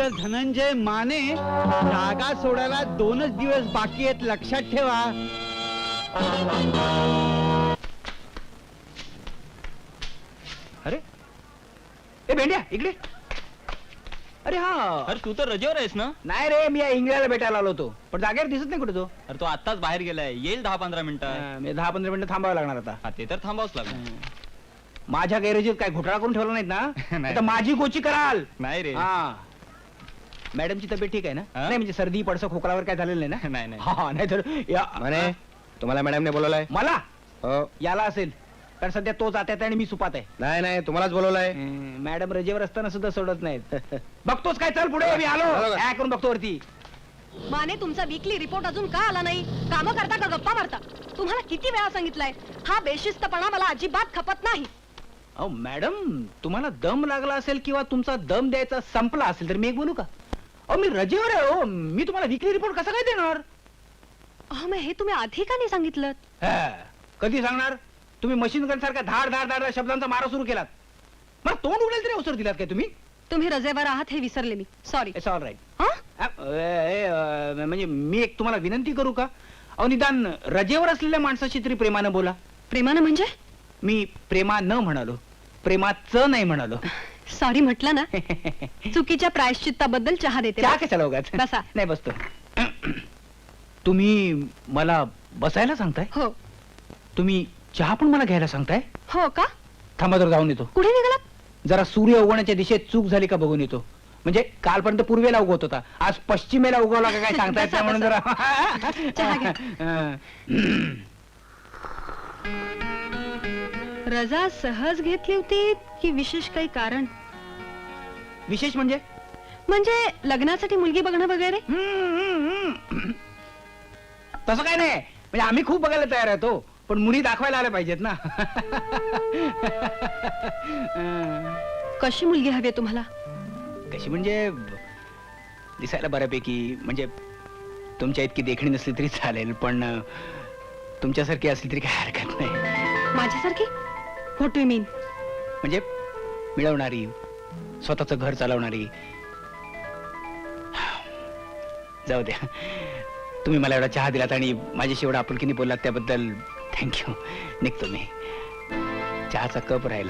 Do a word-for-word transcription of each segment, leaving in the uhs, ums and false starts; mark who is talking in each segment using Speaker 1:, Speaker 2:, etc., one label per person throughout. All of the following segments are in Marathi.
Speaker 1: मिस्टर धनंजय माने, जागा सोडायला दोनच दिवस बाकी आहेत, लक्षात ठेवा.
Speaker 2: अरे ए भेंड्या इकडे. अरे हा,
Speaker 3: अरे तू तर रजेवर आहेस ना?
Speaker 2: नाही रे, मी या इंग्लंडला भेटायला आलो होतो, पण जागेवर दिसत नाही कुठे तो.
Speaker 3: अरे तो आत्ताच बाहेर गेलाय, येईल दहा पंधरा मिनिटं.
Speaker 2: हा, मी दहा पंधरा मिनिटं थांबावं लागणार आता.
Speaker 3: हा, ते तर थांबावच लागणार.
Speaker 2: माझ्या गैरेजीत काय घोटाळा करून ठेवला नाहीत ना?
Speaker 3: नाही.
Speaker 2: आता माझी गोची कराल.
Speaker 3: नाही रे.
Speaker 2: हा, मॅडमची तब्येत ठीक आहे ना?
Speaker 3: हा?
Speaker 2: नाही म्हणजे सर्दी पडसं खोकलावर काय झालेलं नाही ना?
Speaker 3: नाही नाही.
Speaker 2: हा, नाही तर या
Speaker 4: म्हणे तुम्हाला मॅडमने बोलवलंय?
Speaker 2: मला
Speaker 4: हो.
Speaker 2: याला असेल, कारण सध्या तो जात आहे आणि मी सुपात आहे.
Speaker 4: नाही नाही, तुम्हालाच बोलवलंय.
Speaker 2: हम्म, मॅडम रजेवर असताना सुद्धा सोडत नाहीत. बघतोच काय, चल पुढे, मी आलो.
Speaker 4: आलो का?
Speaker 2: काय करून बघतो वरती.
Speaker 5: माने, तुमचा वीकली रिपोर्ट अजून का आला नाही? कामं करता का गप्पा मारता? तुम्हाला किती वेळा सांगितलंय, हा बेशिस्तपणा मला अजिबात खपत नाही.
Speaker 2: अहो मॅडम, तुम्हाला दम लागला असेल किंवा तुमचा दम द्यायचा संपला असेल तर मी एक बोलू का? अहो मी रजेवर आहे हो, मी तुम्हाला विकली रिपोर्ट कसा काय देणार?
Speaker 5: अहो, मग हे तुम्ही आधी का नाही सांगितलं?
Speaker 2: हा, कधी सांगणार? तुम्ही मशीन गन सारखा धाड धाड धाड शब्दांचा मारा सुरू केलात. मला तोंड उडेल तरी अवसर दिलात काय तुम्ही?
Speaker 5: तुम्ही रजेवर आहात हे विसरले मी, सॉरी.
Speaker 2: It's all right.
Speaker 5: हा?
Speaker 2: म्हणजे मी एक तुम्हाला विनंती करू का? अहो निदान रजेवर असलेल्या माणसाशी तरी प्रेमानं बोला.
Speaker 5: प्रेमानं म्हणजे?
Speaker 2: मी प्रेमा न म्हणालो, प्रेमाचं नाही म्हणालो.
Speaker 5: सॉरी म्हटलं ना. चुकीच्या प्रायश्चित्ताबद्दल चहा देते.
Speaker 2: चहा कशाला उगाच?
Speaker 5: बसा.
Speaker 2: नाही बसतो. तुम्ही मला बसायला सांगताय?
Speaker 5: हो.
Speaker 2: तुम्ही चहा पण मला घ्यायला सांगताय?
Speaker 5: हो का?
Speaker 2: थांबा तर जाऊन येतो.
Speaker 5: कुठे निघालात?
Speaker 2: जरा सूर्य उगवण्याच्या दिशेत चूक झाली का बघून येतो. म्हणजे कालपर्यंत पूर्वेला उगवत होता, आज पश्चिमेला उगवला का काय सांगता येत नाही, म्हणून जरा
Speaker 5: चहा घ्या.
Speaker 2: हं.
Speaker 5: रजा सहज घेतली होती की विशेष काही कारण?
Speaker 2: विशेष म्हणजे?
Speaker 5: म्हणजे लग्नासाठी मुलगी बघणं वगैरे?
Speaker 2: तसं काय नाही, म्हणजे आम्ही खूप बघायला तयार आहे तो, पण मुली दाखवायला आल्या पाहिजेत ना.
Speaker 5: कशी मुलगी हवी तुम्हाला?
Speaker 2: कशी म्हणजे दिसायला बऱ्यापैकी, म्हणजे तुमच्या इतकी देखणी नसली तरी चालेल, पण तुमच्यासारखी असली तरी काही हरकत नाही.
Speaker 5: माझ्यासारखी? What do you mean?
Speaker 2: म्हणजे मिळवणारी, स्वतःचं घर चालवणारी. जाऊ द्या, तुम्ही मला एवढा चहा दिलात आणि माझ्याशी एवढा आपुलकीने बोललात त्याबद्दल थँक्यू. निघतो मी, चहाचा कप राहिला.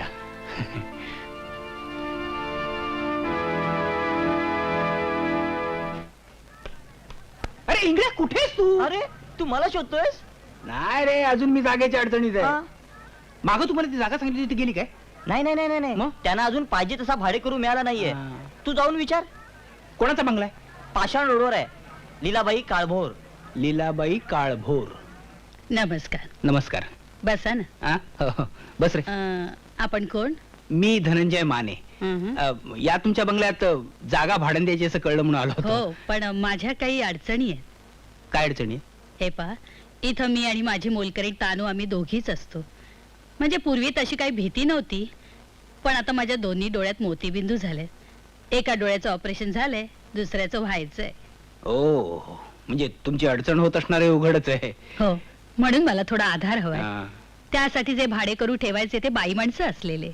Speaker 2: अरे इंग्लिश कुठेस तू?
Speaker 6: अरे तू मला शोधतोयस?
Speaker 2: नाही रे, अजून मी जागेच्या अडचणीत आहे. मागं तुम्हाला ती जागा सांगितली ती गेली काय?
Speaker 6: नाही नाही नाही नाही
Speaker 2: मग?
Speaker 6: त्यांना अजून पाहिजे तसा भाडे करू मिळाला नाहीये.
Speaker 2: हा.
Speaker 6: तू जाऊन विचार.
Speaker 2: कोणाचा बंगला आहे?
Speaker 6: पाषाण रोडवर आहे, लीलाबाई काळभोर.
Speaker 2: लीलाबाई काळभोर.
Speaker 7: नमस्कार.
Speaker 2: नमस्कार.
Speaker 7: बसा ना.
Speaker 2: आ? हो, हो. बस रे.
Speaker 7: अं, आपण कोण?
Speaker 2: मी धनंजय माने.
Speaker 7: हं,
Speaker 2: अ, या तुमच्या बंगल्यात अ, जागा भाड्याने द्यायची असं कळलं म्हणून आलो
Speaker 7: हो,
Speaker 2: होतो.
Speaker 7: पण माझ्या काही अडचणी आहेत.
Speaker 2: काय अडचणी आहे?
Speaker 7: हे पहा, इथं मी आणि माझी मोलकरी तानू आम्ही दोघीच असतो. म्हणजे पूर्वी तशी काही भीती नव्हती, पण आता माझ्या दोन्ही डोळ्यात मोतीबिंदू झाले. एका डोळ्याचं ऑपरेशन झालंय, दुसऱ्याचं व्हायचंय.
Speaker 2: ओ, म्हणजे तुमची अडचण होत असणार आहे उघडच आहे.
Speaker 7: हो, म्हणून मला थोडा आधार हवाय.
Speaker 2: हा.
Speaker 7: त्यासाठी जे भाडे करू ठेवायचे ते बाई माणसं असलेले.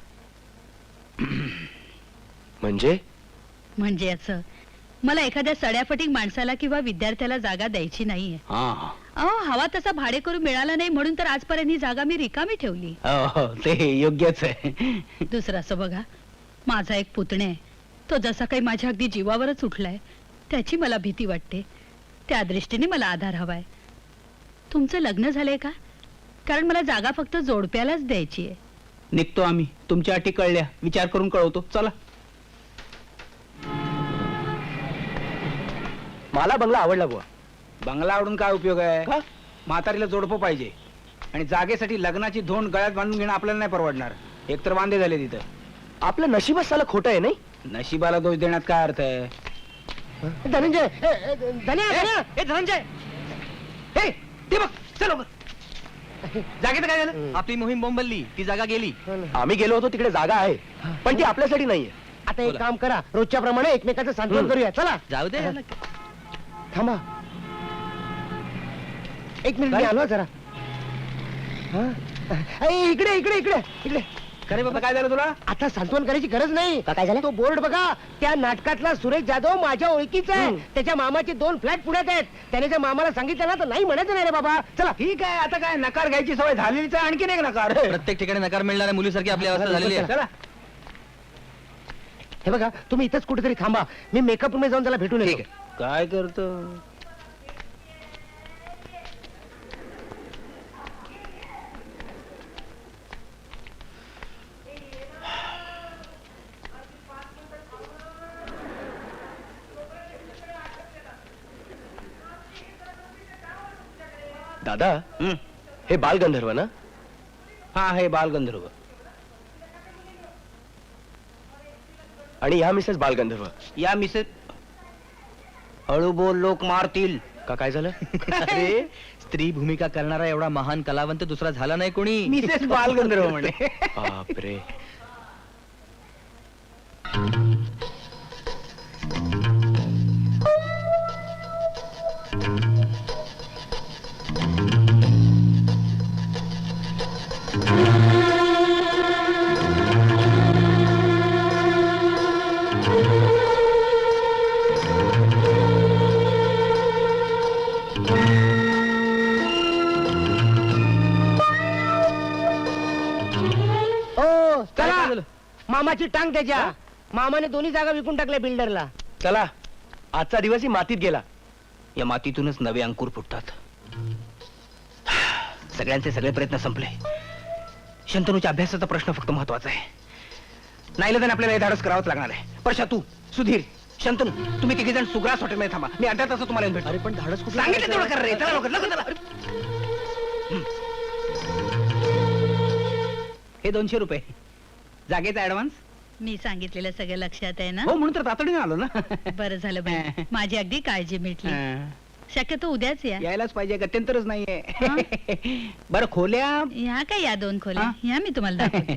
Speaker 4: म्हणजे
Speaker 7: म्हणजे असं, मला एखाद्या सड्याफटीक माणसाला किंवा विद्यार्थ्याला जागा द्यायची नाहीये.
Speaker 2: हा.
Speaker 7: अहो, हवा तसा भाडे करू मिळाला नाही म्हणून तर आजपर्यंत ही जागा मी रिकामी ठेवली.
Speaker 2: हो, हो, ते योग्यच आहे.
Speaker 7: दुसरं असं बघा, माझा एक पुतणे आहे, तो जसा काही माझ्या अगदी जीवावरच उठलाय, त्याची मला भीती वाटते. त्या दृष्टीने मला आधार हवाय. तुमचं लग्न झालंय का? कारण मला जागा फक्त जोडप्यालाच द्यायची आहे.
Speaker 2: निघतो आम्ही, तुमच्या अटी कळल्या, विचार करून कळवतो. चला.
Speaker 4: मला बंगला आवडला बुवा.
Speaker 2: बंगला आवडून काय उपयोग आहे?
Speaker 4: का?
Speaker 2: म्हातारीला जोडपं पाहिजे आणि जागेसाठी लग्नाची धोंड गळ्यात बांधून घेणं आपल्याला नाही परवडणार. एकतर वांदे झाले तिथं.
Speaker 4: आपलं नशीबच साला खोटं आहे नाही.
Speaker 2: नशिबाला दोष देण्यात काय अर्थ आहे?
Speaker 4: धनंजय
Speaker 2: ए धनंजय, हे ते बघ, चलो. जागेत काय झालं?
Speaker 3: आपली मोहीम बोंबलली, ती जागा गेली.
Speaker 4: आम्ही गेलो होतो तिकडे जागा आहे, पण ती आपल्यासाठी नाहीये.
Speaker 8: आता एक काम करा, रोजच्या प्रमाणे एकमेकाचं सांत्वन करूया. चला
Speaker 3: जाऊ दे.
Speaker 8: थांबा, एक मिनिट मी आलो जरा. हा? ए, इकडे इकडे इकडे इकडे
Speaker 2: खरे बाबा काय झालं तुला?
Speaker 8: आता सांत्वन करायची गरज नाही.
Speaker 6: का काय झालं?
Speaker 8: तो बोर्ड बघा, त्या नाटकातला सुरेश जाधव माझ्या ओळखीचा आहे. त्याच्या मामाचे दोन फ्लॅट पुण्यात आहेत. त्याने जर मामाला सांगितलं ना तर नाही म्हणायचं नाही रे बाबा. चला.
Speaker 2: ठीक आहे, आता काय नकार घ्यायची सवय झालेलीच आहे, आणखीन एक नकार.
Speaker 3: प्रत्येक ठिकाणी नकार मिळणाऱ्या मुलीसारखी आपली अवस्था झालेली आहे.
Speaker 2: चला.
Speaker 8: हे बघा, तुम्ही इथंच कुठेतरी थांबा. मी मेकअप रूम जाऊन त्याला भेटून
Speaker 2: ठीक
Speaker 8: येतो.
Speaker 2: आहे. काय करतो?
Speaker 4: दादा
Speaker 2: हं.
Speaker 4: हे बालगंधर्व ना?
Speaker 2: हा हे बालगंधर्व.
Speaker 4: आणि ह्या मिसेस बालगंधर्व.
Speaker 2: या मिसेस हळू बोल, लोक मारतील.
Speaker 4: का काय झालं?
Speaker 3: अरे स्त्री भूमिका करणारा एवढा महान कलावंत दुसरा झाला नाही कोणी.
Speaker 2: मिसेस बालगंधर्व म्हणे.
Speaker 4: बापरे.
Speaker 8: ओ चला, मामाची टांग त्याच्या. मामाने दोन्ही जागा विकून टाकल्या बिल्डरला.
Speaker 4: चला, आजचा दिवसही मातीत गेला.
Speaker 2: या मातीतूनच नवे अंकुर फुटतात. सगळ्यांचे सगळे प्रयत्न संपले. शंतनूच्या अभ्यासाचा प्रश्न फक्त महत्वाचा आहे. नाही तर आपल्याला हे धाडस करावंच लागणार आहे. परशा, तू, सुधीर, शंतनू, तुम्ही तिघे जण सुग्रास हॉटेलमध्ये थांबा. मी अर्ध्या तासात तुम्हाला येऊन भेटतो.
Speaker 3: अरे पण धाडस कुठलं
Speaker 2: सांगितलं
Speaker 3: करायचं?
Speaker 2: तेवढं कर रे. चला लवकर, लवकर चला. हं. हे दोनशे रुपये जागेचा ऍडव्हान्स.
Speaker 7: मी सांगितलेलं सगळं लक्षात आहे ना?
Speaker 2: हो, म्हणून तर तातडीने आलो ना.
Speaker 7: बरं झालं बाई, माझी अगदी काळजी मिटली.
Speaker 2: हं.
Speaker 7: शक्यतो उद्याच या.
Speaker 2: यायलाच पाहिजे, गत्यंतरच नाहीये. बरं, खोल्या
Speaker 7: ह्या काय या दोन खोल्या?
Speaker 2: हा?
Speaker 7: ह्या मी तुम्हाला दाखवते.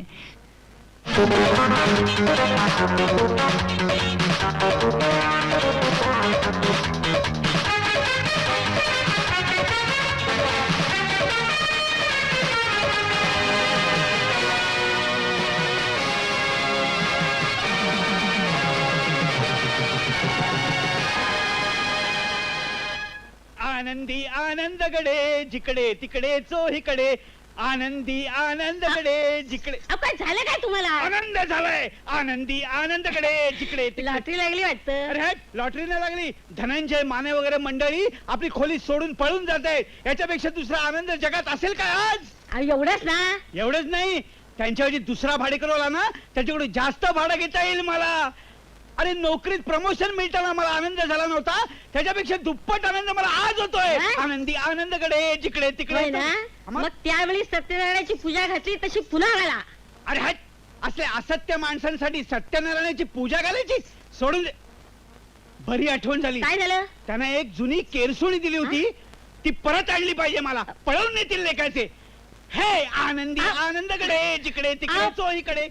Speaker 1: आनंदी आनंदगडे जिकडे तिकडे चोहीकडे आनंदी आनंदगडे जिकडे
Speaker 5: अहो, काय झालं काय तुम्हाला?
Speaker 1: आनंद झालाय. आनंदी आनंदगडे जिकडे तिकडे.
Speaker 5: लॉटरी लागली वाटतं.
Speaker 1: अरे लॉटरी नाही लागली. धनंजय माने वगैरे मंडळी आपली खोली सोडून पळून जात आहेत. याच्यापेक्षा दुसरा आनंद जगात असेल काय आज?
Speaker 5: अहो, एवढंच ना?
Speaker 1: एवढंच नाही, त्यांच्याऐवजी दुसरा भाडेकरू आला ना त्याच्याकडून जास्त भाडं घेता येईल मला. अरे नोकरीत प्रमोशन मिळताना मला आनंद झाला नव्हता, त्याच्यापेक्षा दुप्पट आनंद मला आज होतोय.
Speaker 5: हा?
Speaker 1: आनंदी आनंदकडे जिकडे
Speaker 5: होय
Speaker 1: तिकडे.
Speaker 5: ना?
Speaker 1: मग-
Speaker 5: मग त्यावेळी सत्यनारायणाची पूजा घातली तशी पुन्हा घाला.
Speaker 1: अरे हट, असले असत्य माणसांसाठी सत्यनारायणाची पूजा घालायची सोडून दे. बरी आठवण झाली.
Speaker 5: काय झालं?
Speaker 1: त्यानं एक जुनी केरसुणी दिली होती, ती परत आणली पाहिजे मला. पळवून नेतील लेखाचे. हे आनंदी
Speaker 5: आ-
Speaker 1: आनंदकडे जिकडे तिकडे
Speaker 5: आ-
Speaker 1: चोहीकडे.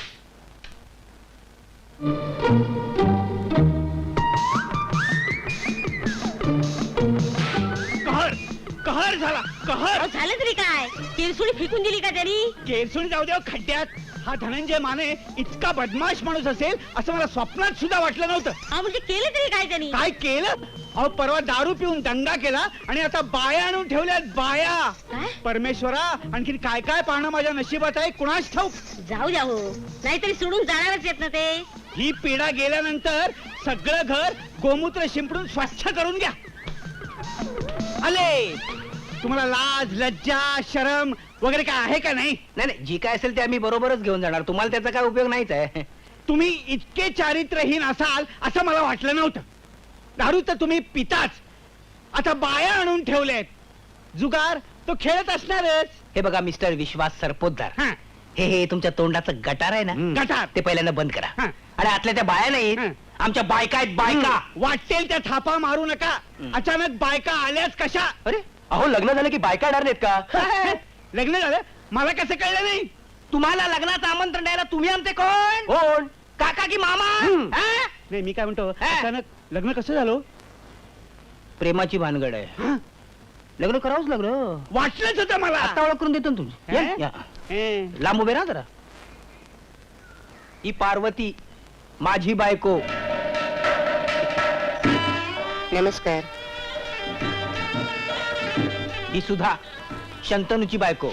Speaker 1: कहर कहर झाला कहर.
Speaker 5: अहो, झालं तरी काय? किरसुणी फेकून दिली का त्यांनी?
Speaker 1: केरसुणी जाऊ द्या खड्ड्यात. हा धनंजय माने इतका बदमाश माणूस असेल असं मला स्वप्नात सुद्धा वाटलं नव्हतं.
Speaker 5: अहो, म्हणजे केलं तरी काय त्यांनी?
Speaker 1: काय केलं? अहो परवा दारू पिऊन दंगा केला आणि आता बाया आणून ठेवल्यात बाया.
Speaker 5: काय?
Speaker 1: परमेश्वरा, आणखीन काय काय पाहणं माझ्या नशिबात आहे कुणाच ठाऊक.
Speaker 5: जाऊ द्या हो, नाहीतरी सोडून जाणारच येत ना ते.
Speaker 1: ही पिढा गेल्यानंतर सगळं घर गोमूत्र शिंपडून स्वच्छ करून घ्या. आले तुम्हाला लाज लज्जा शरम वगैरे काय आहे का नाही?
Speaker 2: नाही नाही, जी काय असेल ते आम्ही बरोबरच घेऊन जाणार. तुम्हाला त्याचा काय उपयोग नाहीच आहे.
Speaker 1: तुम्ही इतके चारित्र्यहीन असाल असं मला वाटलं नव्हतं. दारू तर तुम्ही पिताच, आता बाया आणून ठेवल्यात. जुगार तो खेळत असणारच.
Speaker 2: हे बघा मिस्टर विश्वास सरपोतदार,
Speaker 1: हा,
Speaker 2: हे हे तुमच्या तोंडाचं गटार आहे ना,
Speaker 1: गटार.
Speaker 2: ते पहिल्यांदा बंद करा.
Speaker 1: हा.
Speaker 2: आणि आतल्या त्या बाया नाहीत,
Speaker 1: हं.
Speaker 2: आमच्या बायका आहेत बायका.
Speaker 1: वाटेल त्या थापा मारू नका.
Speaker 2: हं.
Speaker 1: अचानक बायका आल्याच कशा?
Speaker 2: अरे
Speaker 4: अहो, लग्न झालं की बायका येणार नाहीत का?
Speaker 1: लग्न झालं मला कसं कळलं नाही?
Speaker 2: तुम्हाला लग्नाचं आमंत्रण द्यायला तुम्ही आमचे कोण?
Speaker 4: कोण?
Speaker 2: काका की मामा?
Speaker 1: हं.
Speaker 2: हा?
Speaker 1: नाही मी काय म्हणतो,
Speaker 2: हा.
Speaker 1: अचानक लग्न कसं झालं?
Speaker 2: प्रेमाची भानगड आहे.
Speaker 1: हं.
Speaker 2: लग्न करावंच लग्न.
Speaker 1: वाटलंच होतं मला.
Speaker 2: आता ओळख करून देतो ना तुझी.
Speaker 1: हे?
Speaker 2: या, या.
Speaker 1: हे.
Speaker 2: लांब उभे राहा जरा. ही पार्वती माझी बायको.
Speaker 8: नमस्कार.
Speaker 2: ही सुधा शंतनूची बायको.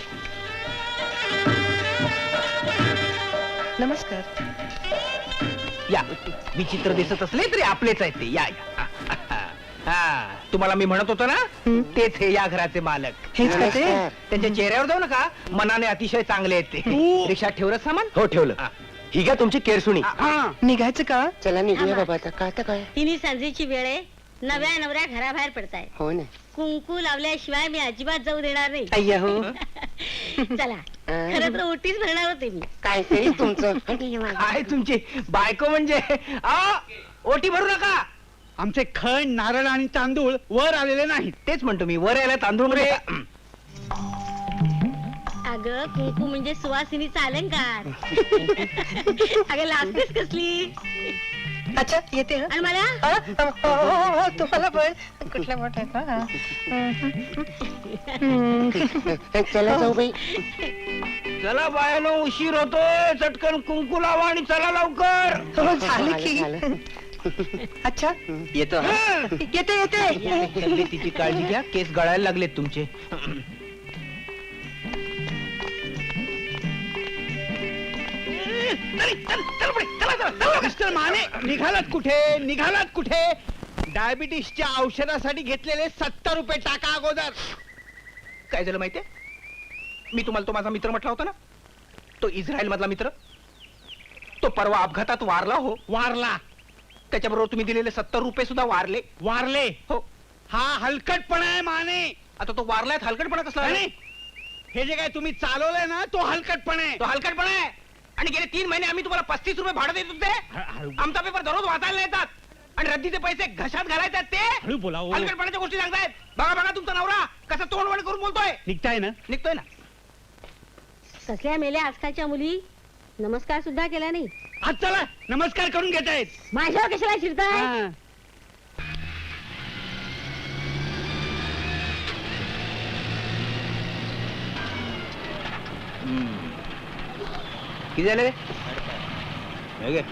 Speaker 8: नमस्कार.
Speaker 2: या विचित्र दिसत असले तरी आपलेच आहेत ते. या या. हा तुम्हाला मी म्हणत होतो ना, तेच हे या घराचे मालक.
Speaker 8: हेच का ते?
Speaker 2: त्यांच्या चेहऱ्यावर जाऊ नका, मनाने अतिशय चांगले आहेत ते.
Speaker 1: तू-
Speaker 2: रिक्षात ठेवलं सामान.
Speaker 4: हो ठेवलं.
Speaker 2: हा.
Speaker 4: ही घ्या तुमची केरसुणी.
Speaker 1: हा
Speaker 8: निघायचं का? चला निघूया बाबा आता. का आता काय?
Speaker 9: तिन्ही सांजेची वेळ आहे. नव्या नवऱ्या घराबाहेर पडताय.
Speaker 8: हो ना.
Speaker 9: कुंकू लावल्याशिवाय मी अजिबात जाऊ देणार नाही.
Speaker 8: अय्या हो.
Speaker 9: चला खरं तर ओटीच भरणार होते मी.
Speaker 8: काय तरी तुमचं.
Speaker 2: काय तुमची बायको म्हणजे आ, ओटी भरू नका.
Speaker 1: आमचे खण नारळ आणि तांदूळ वर आलेले नाहीत.
Speaker 2: तेच म्हणतो मी, वर यायला तांदूळ मध्ये.
Speaker 9: अगं कुंकू म्हणजे सुवासिनीचा अलंकार. अगं लाजतेस कसली.
Speaker 8: अच्छा येते.
Speaker 9: आणि मला
Speaker 8: तुम्हाला पण कुठल्या मोठ्या. चला जाऊ बाई.
Speaker 2: चला बायानो, उशीर होतोय. चटकन कुंकू लावा आणि चला लवकर.
Speaker 8: झालं की. अच्छा
Speaker 2: येतो.
Speaker 8: येते येते.
Speaker 2: तब्येतीची काळजी घ्या, केस गळायला लागलेत तुमचे.
Speaker 1: मिस्टर माने, निघालात कुठे निघालात कुठे? डायबिटीसच्या औषधासाठी घेतलेले सत्तर रुपये टाका अगोदर.
Speaker 2: काय झालं माहितीये, मी तुम्हाला तो माझा मित्र म्हटला होता ना, तो इस्रायल मधला मित्र, तो परवा अपघातात वारला. हो
Speaker 1: वारला.
Speaker 2: त्याच्याबरोबर तुम्ही दिलेले सत्तर रुपये सुद्धा वारले.
Speaker 1: वारले.
Speaker 2: हो.
Speaker 1: हा हलकटपणा आहे माने.
Speaker 2: आता तो वारलाय, हलकटपणा कसला
Speaker 1: नाही,
Speaker 2: आहे?
Speaker 1: हे जे काय तुम्ही चालवलंय ना, तो हलकटपणा आहे.
Speaker 2: तो हलकटपणा आहे. आणि गेले तीन महिने आम्ही तुम्हाला पस्तीस रुपये भाडं देत होते.
Speaker 1: हळू-
Speaker 2: आमचा पेपर दररोज वाचायला येतात आणि रद्दीचे पैसे घशात घालायचे ते
Speaker 1: हळू बोला हो.
Speaker 2: हलकटपणाच्या गोष्टी सांगतायत. बघा बघा तुमचा नवरा कसा तोंडवण करून बोलतोय.
Speaker 1: निघताय ना?
Speaker 2: निघतोय ना.
Speaker 9: कसल्या मेल्या आजकालच्या मुली. नमस्कार सुद्धा केला नाही.
Speaker 1: आज चला नमस्कार करून घेतायत.
Speaker 9: माझ्यावर कशाला शिरताय.
Speaker 1: हा.
Speaker 2: किती झाले रे? हे घे.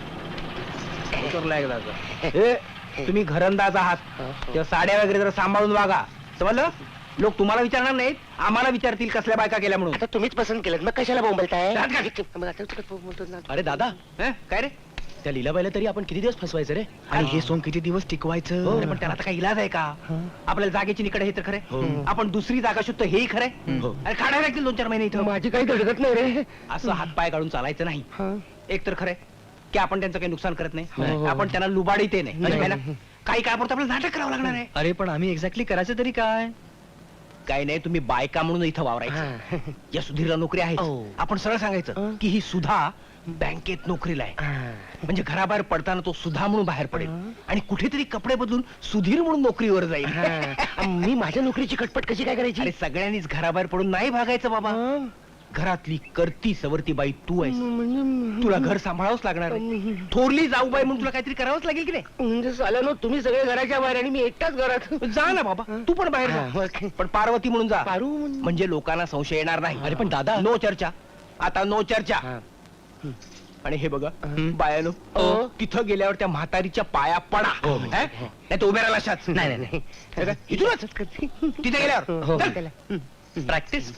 Speaker 2: उतरला एकदा आता. हे, तुम्ही घरंदाज आहात, तेव्हा साड्या वगैरे जरा सांभाळून वागा, समजलं? लोक तुम्हाला विचारणार नाहीत, आम्हाला विचारतील कसल्या बायका केल्या म्हणून.
Speaker 8: आता तुम्हीच पसंत केलं, मग कशाला बोंबलताय?
Speaker 2: जात का?
Speaker 8: मग आता तुला बोंबलतो ना.
Speaker 3: अरे दादा,
Speaker 2: हं? काय रे?
Speaker 3: त्या लीलाबाईला तरी आपण किती दिवस फसवायचं रे? आणि हे सोंग किती दिवस टिकवायचं?
Speaker 2: अरे पण त्याला आता काही इलाज आहे का? आपल्याला जागेची निकड हे तर खरे, आपण दुसरी जागा शोधतो हेही खरे.
Speaker 3: हो.
Speaker 2: अरे काढायला लागतील दोन चार महिने इथं.
Speaker 8: माझी काही धडकत नाही रे.
Speaker 2: असं हातपाय काढून चालायचं नाही.
Speaker 8: हा.
Speaker 2: एक तर खरंय की आपण त्यांचं काही नुकसान करत
Speaker 8: हो,
Speaker 2: नाही,
Speaker 8: हो.
Speaker 2: आपण त्यांना लुबाडीत नाही. म्हणजे काय ना, काही काळापुरतं आपल्याला नाटक करावं लागणार आहे.
Speaker 3: अरे पण आम्ही एक्झॅक्टली करायचं तरी काय?
Speaker 2: काही नाही, तुम्ही बायका म्हणून इथं वावरायचं.
Speaker 8: हा.
Speaker 2: या सुधीरला नोकरी आहे.
Speaker 8: हो.
Speaker 2: आपण सरळ सांगायचं
Speaker 8: हं.
Speaker 2: की ही सुधा बँकेत नोकरीला आहे.
Speaker 8: हा.
Speaker 2: म्हणजे घराबाहेर पडताना तो सुधा म्हणून बाहेर पडेल
Speaker 8: हं.
Speaker 2: आणि कुठेतरी कपडे बदलून सुधीर म्हणून नोकरीवर जाईल.
Speaker 8: हा. मी माझ्या नोकरीची कटपट कशी काय करायची?
Speaker 2: अरे सगळ्यांनीच घराबाहेर पडून नाही भागायचं बाबा.
Speaker 8: हं.
Speaker 2: घरातली करती सवरती बाई तू आहेस.
Speaker 8: म्हणजे
Speaker 2: तुला घर सांभाळावंच लागणार आहे. थोरली जाऊ बाई म्हणून तुला काहीतरी करावंच लागेल की नाही?
Speaker 8: म्हणजे साल्यानो तुम्ही सगळे घराच्या बाहेर आणि मी एकटाच घरात.
Speaker 2: जा ना बाबा, तू पण बाहेर
Speaker 8: हा,
Speaker 2: जा.
Speaker 8: ओके.
Speaker 2: पण पार्वती म्हणून जा,
Speaker 8: पारू म्हण-
Speaker 2: म्हणजे लोकांना संशय येणार नाही.
Speaker 3: अरे पण दादा,
Speaker 2: नो चर्चा, आता नो चर्चा.
Speaker 8: हा.
Speaker 2: आणि हे बघा
Speaker 8: हं.
Speaker 2: बायानो,
Speaker 8: हो.
Speaker 2: तिथं गेल्यावर त्या म्हातारीच्या पाया पडा.
Speaker 8: हो.
Speaker 2: हं? नाही तर उभ्या राहिला अशाच.
Speaker 8: नाही नाही नाही.
Speaker 2: हे काय? इथूनच तिथे गेल्यावर
Speaker 8: हो.
Speaker 2: चल.
Speaker 8: चला.
Speaker 3: प्रॅक्टिस.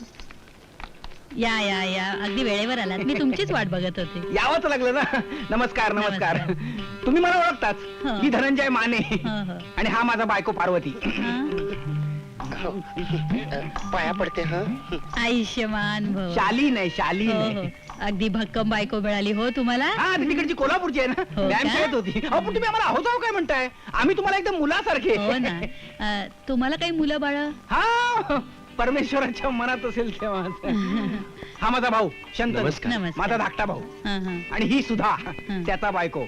Speaker 7: या या या अगदी वेळेवर आलात. मी तुमचीच वाट बघत होते.
Speaker 2: यावंच लागलं ना. नमस्कार नमस्कार. तुम्ही मला ओळखताच.
Speaker 7: हो.
Speaker 2: मी धनंजय माने
Speaker 7: हो, हो.
Speaker 2: आणि हा माझा बायको पार्वती.
Speaker 7: हं?
Speaker 8: पाया पडते हा.
Speaker 7: आयुष्यमान भव.
Speaker 2: शाली नाही, शाली
Speaker 7: हो,
Speaker 2: नाही.
Speaker 7: हो. अगदी भक्कम बायको मिळाली हो तुम्हाला.
Speaker 2: हा ती तिकडची कोल्हापूरची आहे ना.
Speaker 7: हो
Speaker 2: व्यायाम
Speaker 7: का?
Speaker 2: खेळत होती. अहो पण तुम्ही आम्हाला आहोत आहो काय म्हणताय? आम्ही तुम्हाला एकदम मुलासारखे.
Speaker 7: हो ना. अं, तुम्हाला काही मुलं बाळ?
Speaker 2: हा परमेश्वराच्या मनात असेल तेव्हा. हा माझा भाऊ शंतनू,
Speaker 3: नमस्कार.
Speaker 7: नमस्कार.
Speaker 2: माझा धाकटा भाऊ.
Speaker 7: हं, हं.
Speaker 2: आणि ही सुद्धा
Speaker 7: हं.
Speaker 2: त्याचा बायको.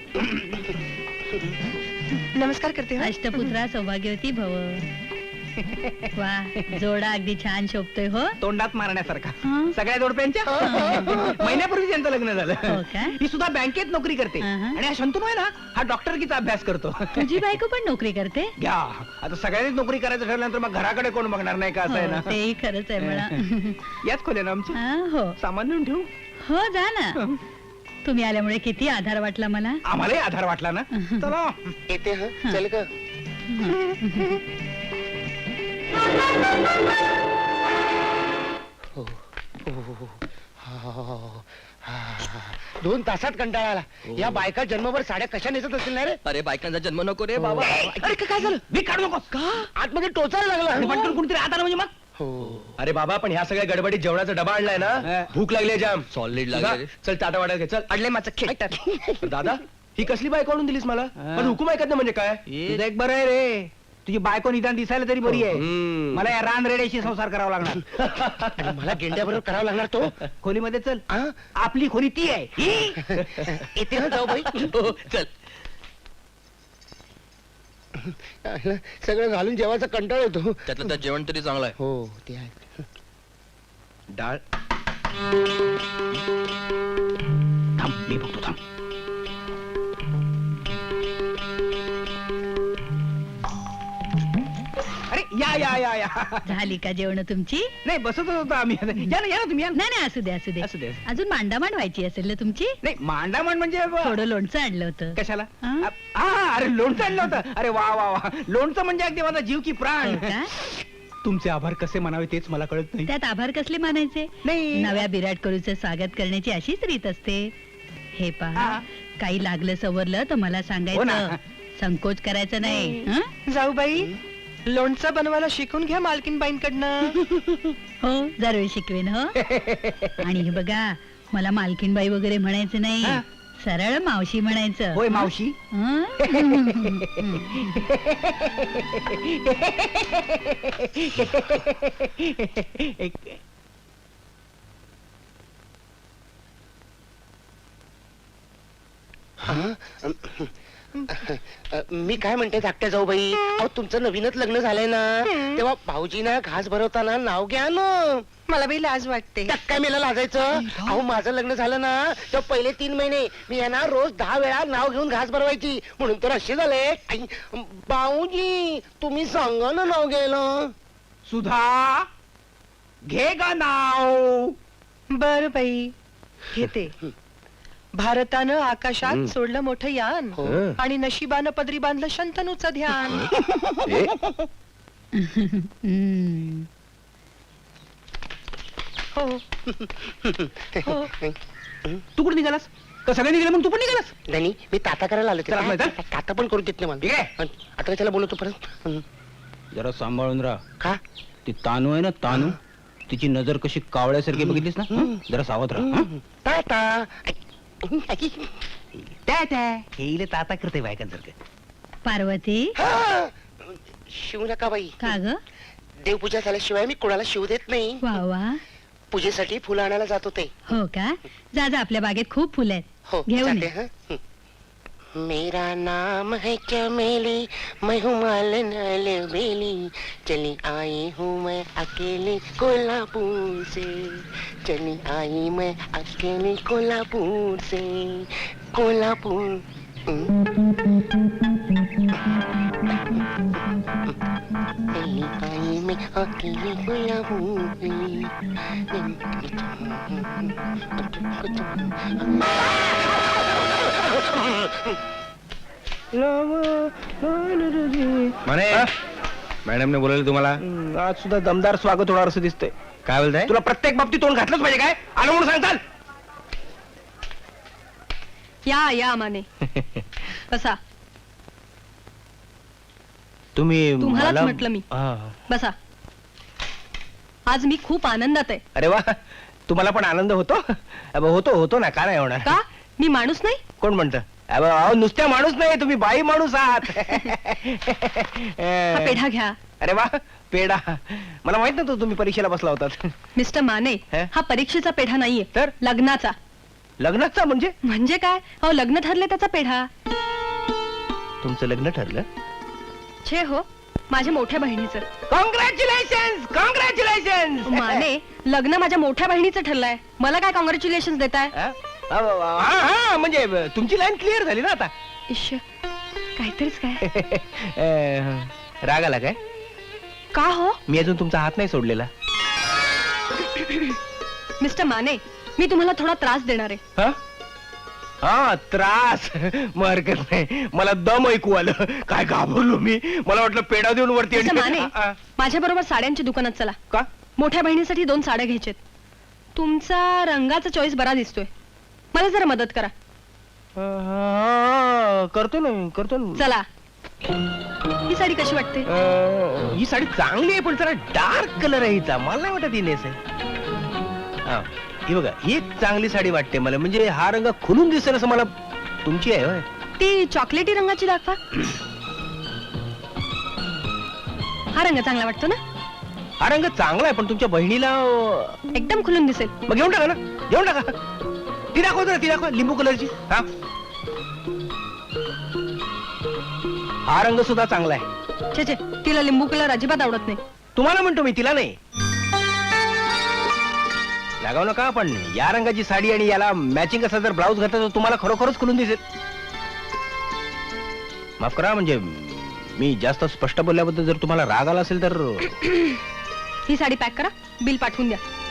Speaker 8: नमस्कार करते हा.
Speaker 7: अष्टपुत्रा सौभाग्यवती भव. वा, जोडा अगदी छान शोभतोय हो.
Speaker 2: तोंडात मारण्यासारखा.
Speaker 7: हं.
Speaker 2: सगळ्या जोडप्यांच्या महिन्यापूर्वी त्यांचं लग्न झालं.
Speaker 7: हो का?
Speaker 2: ही सुद्धा बँकेत नोकरी करते.
Speaker 7: हं, हं.
Speaker 2: आणि हा शंतनू आहे ना, हा डॉक्टरकीचा अभ्यास करतो.
Speaker 7: तुझी बायको पण नोकरी करते?
Speaker 2: घ्या, आता सगळ्यांनीच नोकरी करायचं ठरल्यानंतर मग घराकडे कोण बघणार नाही का? असं आहे
Speaker 7: हो,
Speaker 2: ना.
Speaker 7: तेही खरंच आहे म्हणा.
Speaker 2: याच खोल्या ना आमच्या.
Speaker 7: हा, हो
Speaker 2: सामान नेऊन ठेवू.
Speaker 7: हो जा ना. तुम्ही आल्यामुळे किती आधार वाटला मला.
Speaker 2: आम्हालाही आधार वाटला ना. चला
Speaker 8: येते हा चल ग. दोन तासात कंटाळा आला. या बायका जन्मभर साड्या कशा नेसत असतील ना रे.
Speaker 3: अरे बायकांचा जन्म नको रे बाबा.
Speaker 2: अरे काय झालं मी काढू नकोस का.
Speaker 8: आतमध्ये टोचायला लागला.
Speaker 2: पटकन कोणतरी आता म्हणजे मग.
Speaker 4: अरे बाबा पण ह्या सगळ्या गडबडीत जेवणाचा डबा आणलाय ना. भूक लागली आहे जाम.
Speaker 3: सॉलिड
Speaker 4: तुझा-
Speaker 3: लागले.
Speaker 4: चल टाटा वाटा घे चल.
Speaker 2: अडले माझं खेट.
Speaker 4: दादा ही कसली बायको आणून दिलीस मला. पण हुकूम ऐकत नाही म्हणजे काय.
Speaker 2: तुझं एक बरं आहे रे. तुझी बायको निदान दिसायला तरी बरी आहे.
Speaker 4: हम्म.
Speaker 2: मला या रान रेड्याशी संसार करावा लागणार.
Speaker 8: आणि मला गेंड्या बरोबर करावा लागणार तो.
Speaker 2: खोलीमध्ये चल.
Speaker 8: आ?
Speaker 2: आपली खोली ती आहे ही.
Speaker 8: येते ना जाऊ बाई.
Speaker 3: हो, चल.
Speaker 8: सगळं घालून जेवायचा कंटाळ येतो.
Speaker 3: त्यातलं त्यात जेवण तरी चांगलं आहे.
Speaker 8: हो ते आहे.
Speaker 4: डाळ
Speaker 2: थांब मी बघतो थांब. अरे या या या या.
Speaker 7: झाली का जेवण तुमची?
Speaker 2: नाही बसत होतो आम्ही. या ना या ना तुम्ही या ना.
Speaker 7: नाही नाही असू दे असू दे
Speaker 2: असू दे.
Speaker 7: अजून मांडामांड व्हायची असेल ना तुमची.
Speaker 2: नाही मांडामांड म्हणजे
Speaker 7: थोडं लोणचं आणलं होतं.
Speaker 2: कशाला.
Speaker 7: हं?
Speaker 2: आ, हा अरे लोणचं आणलं होतं. अरे वा वा वा. लोणचं म्हणजे अगदी माझा जीव की प्राण.
Speaker 7: हो का?
Speaker 2: तुमचे आभार कसे मानावे तेच मला कळत नाही.
Speaker 7: त्यात आभार कसले मानायचे.
Speaker 2: नाही.
Speaker 7: नव्या विराट कोहलीचं स्वागत करण्याची अशीच रीत असते. हे पहा
Speaker 2: हा.
Speaker 7: काही लागलं सवरलं तर मला
Speaker 2: हो
Speaker 7: सांगायचं.
Speaker 2: ना.
Speaker 7: संकोच करायचं नाही. हं?
Speaker 10: जाऊ बाई लोणचं बनवायला शिकून घ्या मालकीनबाईंकडनं.
Speaker 7: हो जरूर शिकवेन हो. आणि हे बघा मला मालकीनबाई वगैरे म्हणायचं नाही.
Speaker 2: हा.
Speaker 7: सरळ मावशी म्हणायचं.
Speaker 2: होय मावशी.
Speaker 7: हं?
Speaker 8: मी काय म्हणते धाकट्या जाऊ बाई. अहो तुमचं नवीनच लग्न झालंय ना. तेव्हा भाऊजीना घास भरवताना नाव घ्या ना.
Speaker 10: मला बाई लाज वाटते.
Speaker 8: त्यात काय मेला लाजायचं. अहो माझं लग्न झालं ना तर पहिले तीन महिने मी यांना रोज दहा वेळा नाव घेऊन घास भरवायची. म्हणून तर असे झाले. आई, भाऊजी तुम्ही सांगा ना नाव घ्यायला.
Speaker 2: सुधा घे गा नाव.
Speaker 10: बर बाई घेते. भारतानं आकाशात सोडलं मोठं यान
Speaker 8: हो.
Speaker 10: आणि नशिबानं पदरी बांधलं शंतनूचं ध्यान.
Speaker 7: हं.
Speaker 10: हो हो
Speaker 2: तू कुठे निघालास. का सगळे निघाले मग तू पण निघालास.
Speaker 8: नाही मी ताता करायला आलो.
Speaker 2: चला, माहिती
Speaker 8: ते ताता पण करू देत नाही
Speaker 2: ठीक
Speaker 8: मला.
Speaker 2: आहे.
Speaker 8: आता त्याला बोलवतो परत. हं.
Speaker 2: जरा सांभाळून राहा.
Speaker 8: का
Speaker 2: ती तानू आहे ना तानू. तिची नजर कशी कावळ्यासारखी बघितलीस ना. हं? जरा सावध राहा. हं?
Speaker 8: ताता आई, आई.
Speaker 2: त्या त्या हेले ताता करते बायकांसारखं.
Speaker 7: पार्वती
Speaker 8: हा! शिव नका बाई.
Speaker 7: का ग.
Speaker 8: देवपूजा झाल्याशिवाय मी कोणाला शिव देत नाही.
Speaker 7: वा वा.
Speaker 8: पूजेसाठी फुलं आणायला जात होते.
Speaker 7: हो का. जा जा आपल्या बागेत खूप फुलं आहेत.
Speaker 8: हो
Speaker 7: घेऊन
Speaker 8: जाते.
Speaker 7: ये.
Speaker 8: हं. हं. मेरा नाम है चमेली मैं हूँ मालन बेली चली आई हूँ मैं अकेली कोल्हापुर से चली आई मैं अकेली कोल्हापुर से कोल्हापुर. हं. चली आई मैं अकेली कोल्हापुर
Speaker 4: म्हणे मॅडमने बोलवलं तुम्हाला.
Speaker 2: आज सुद्धा दमदार स्वागत होणार असं दिसतंय.
Speaker 4: काय बोलताय.
Speaker 2: तुला प्रत्येक बाबतीत तोंड घातलंच पाहिजे काय. आलं म्हणून सांगताल.
Speaker 5: या या माने बसा.
Speaker 2: तुम्ही
Speaker 5: तुम्हालाच
Speaker 2: मला-
Speaker 5: म्हटलं मी.
Speaker 2: हा.
Speaker 5: बसा. आज मी खूप आनंदात आहे.
Speaker 2: अरे वा तुम्हाला पण आनंद होतो. अबे, होतो होतो ना का नाही होणार.
Speaker 5: का मी माणूस नाही.
Speaker 2: कोण म्हणतं. अबे, अहो, नुसत्या माणूस नाही तुम्ही बाई माणूस आहात.
Speaker 5: हा पेढा घ्या.
Speaker 2: अरे वा पेढा. मला माहित नव्हतं तुम्ही परीक्षेला बसला होतात.
Speaker 5: मिस्टर माने
Speaker 2: हे?
Speaker 5: हा परीक्षेचा पेढा नाहीये
Speaker 2: तर?
Speaker 5: लग्नाचा.
Speaker 2: लग्नाचा म्हणजे.
Speaker 5: म्हणजे काय. अहो लग्न ठरले त्याचा पेढा.
Speaker 2: तुमचं लग्न ठरलं.
Speaker 5: छे हो माझ्या मोठ्या बहिणीचं.
Speaker 2: Congratulation congratulation.
Speaker 5: माने लग्न माझ्या मोठ्या बहिणीचं ठरलंय. मला काय कॉंग्रॅच्युलेशन देताय.
Speaker 2: म्हणजे तुमची लाईन क्लिअर झाली ना आता.
Speaker 5: इश्श काहीतरीच काय.
Speaker 2: अं, राग आला काय.
Speaker 5: का हो
Speaker 2: मी अजून तुमचा हात नाही सोडलेला.
Speaker 5: मिस्टर माने मी तुम्हाला थोडा त्रास देणार आहे.
Speaker 2: हा?
Speaker 4: हा त्रास मग हरकत नाही. मला दम ऐकू आलं. काय घाबरलो मी. मला वाटलं पेढा देऊन वरती
Speaker 5: तसं माने
Speaker 4: आ,
Speaker 5: माझ्या बरोबर साड्यांच्या दुकानात चला.
Speaker 4: का
Speaker 5: मोठ्या बहिणीसाठी दोन साड्या घ्यायच्यात. तुमचा रंगाचा चॉईस बरा दिसतोय. मला जरा मदत करा.
Speaker 4: हा, करतो ना करतो ना.
Speaker 5: चला. ही साडी कशी वाटते?
Speaker 4: अं, ही साडी चांगली आहे पण जरा डार्क कलर आहे हिचा. मला नाही वाटत ही नेस आहे. हा, ही बघा ही एक चांगली साडी वाटते मला. म्हणजे हा रंग खुलून दिसेल असं मला. तुमची आहे होय?
Speaker 5: ती चॉकलेटी रंगाची दाखवा. हा रंग चांगला वाटतो ना?
Speaker 4: हा रंग चांगला आहे पण तुमच्या बहिणीला अं,
Speaker 5: एकदम खुलून दिसेल.
Speaker 4: मग घेऊन टाका ना. घेऊन टाका. ती दाखव जरा ती दाखव लिंबू कलरची. हा हा रंग सुद्धा चांगला आहे.
Speaker 5: छे छे तिला लिंबू कलर अजिबात आवडत नाही.
Speaker 4: तुम्हाला म्हणतो मी तिला नाही. लागाव नका पण या रंगाची साडी आणि याला मॅचिंग असा जर ब्लाऊज घातला तर तुम्हाला खरोखरच खुलून दिसेल. माफ करा म्हणजे मी जास्त स्पष्ट बोलल्याबद्दल जर तुम्हाला राग आला असेल तर
Speaker 5: ही साडी पॅक करा. बिल पाठवून द्या.